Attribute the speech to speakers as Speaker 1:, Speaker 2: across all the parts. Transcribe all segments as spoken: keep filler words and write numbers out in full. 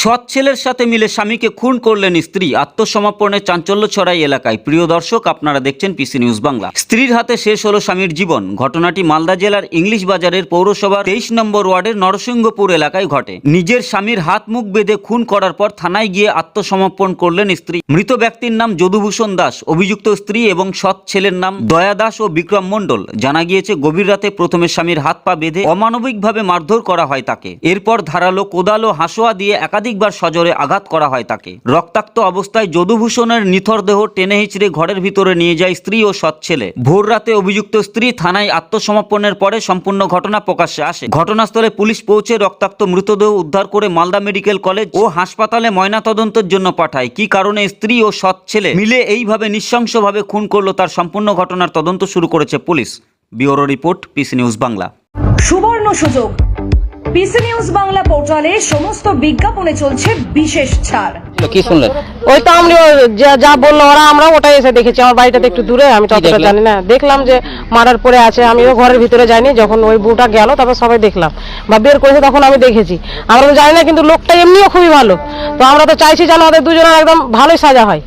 Speaker 1: সৎ ছেলের সাথে মিলে স্বামীকে খুন করলেন স্ত্রী, আত্মসমর্পণে চাঞ্চল্য ছড়াই এলাকায়। প্রিয় দর্শক, আপনারা দেখছেন পিসি নিউজ বাংলা। স্ত্রীর হাতে শেষ হলো স্বামীর জীবন। ঘটনাটি মালদা জেলার ইংলিশ বাজারের পৌরসভার তেইশ নম্বর ওয়ার্ডের নরসিংহপুর এলাকায় ঘটে। নিজের স্বামীর হাত মুখ বেঁধে খুন করার পর থানায় গিয়ে আত্মসমর্পণ করলেন স্ত্রী। মৃত ব্যক্তির নাম যদুভূষণ দাস, অভিযুক্ত স্ত্রী এবং সৎ ছেলের নাম দয়া দাস ও বিক্রম মণ্ডল। জানা গিয়েছে, গভীর রাতে প্রথমে স্বামীর হাত পা বেঁধে অমানবিকভাবে মারধর করা হয় তাকে। এরপর ধারালো কোদাল ও হাসোয়া দিয়ে একাধিকবার সজোরে আঘাত করা হয় তাকে। রক্তাক্ত অবস্থায় যদুভূষণের নিথর দেহ টেনে হিচড়ে ঘরের ভিতরে নিয়ে যায় স্ত্রী ও সৎ ছেলে। ভোর রাতে অভিযুক্ত স্ত্রী থানায় আত্মসমর্পণের পরে সম্পূর্ণ ঘটনা প্রকাশ্যে আসে। ঘটনাস্থলে পুলিশ পৌঁছে রক্তাক্ত মৃতদেহ উদ্ধার করে মালদা মেডিকেল কলেজ ও হাসপাতালে ময়নাতদন্তের জন্য পাঠায়। কি কারণে স্ত্রী ও সৎ ছেলে মিলে এইভাবে নৃশংসভাবে খুন করলো, তার সম্পূর্ণ ঘটনার তদন্ত শুরু করেছে police. Bureau report, PC news Bangla.
Speaker 2: সুবর্ণ সুযোগ, পিসি নিউজ বাংলা পোর্টালে সমস্ত বিজ্ঞাপনে চলছে বিশেষ ছাড়।
Speaker 3: কি শুনলেন?
Speaker 4: ওই তো আমরা যা যা বললো ওরা, আমরা ওটাই এসে দেখেছি। আমার বাড়িটাতে একটু দূরে, আমি ততটা জানি না। দেখলাম যে মারার পরে আছে, আমিও ঘরের ভিতরে যাইনি। যখন ওই বউটা গেল তারপর সবাই দেখলাম বা বের করেছে, তখন আমি দেখেছি। আমরা তো জানি না, কিন্তু লোকটা এমনিও খুবই ভালো। তো আমরা তো চাইছি যেন ওদের দুজনের একদম ভালোই সাজা হয়।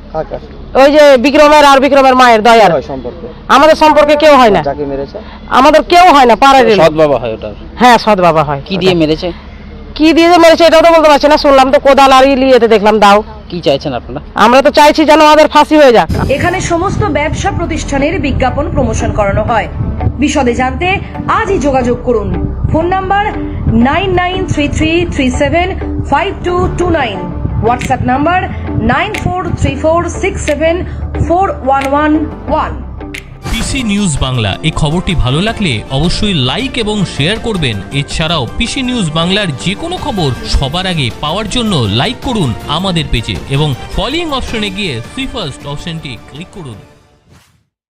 Speaker 4: ওই যে বিক্রমের আর বিক্রমের মায়ের দয়ার আমাদের সম্পর্কে কেউ হয় না, আমাদের কেউ হয় না, পাড়ার
Speaker 3: সৎ বাবা হয় ওটা।
Speaker 4: হ্যাঁ, সৎ বাবা হয়।
Speaker 3: কি দিয়ে মেরেছে?
Speaker 4: কি দিয়ে যে মেরেছে এটাও তো বলতে পারছি না। শুনলাম তো কোদাল আর ইলিয়েতে দেখলাম দাও।
Speaker 3: কি চাইছেন আপনারা?
Speaker 4: আমরা তো চাইছি যেন আমাদের ফাঁসি হয়ে যাক।
Speaker 2: এখানে সমস্ত ব্যবসা প্রতিষ্ঠানের বিজ্ঞাপন প্রমোশন করানো হয়। বিশদে জানতে আজই যোগাযোগ করুন। Phone number nine nine three three three seven five two two nine, WhatsApp number nine four three four six seven four one one one.
Speaker 5: PC news Bangla এই খবরটি ভালো লাগলে অবশ্যই লাইক এবং শেয়ার করবেন। এছাড়াও পিসি নিউজ বাংলার যে কোনো খবর সবার আগে পাওয়ার জন্য লাইক করুন আমাদের পেজে এবং ফলোইং অপশনে গিয়ে সি ফার্স্ট অপশনটি ক্লিক করুন।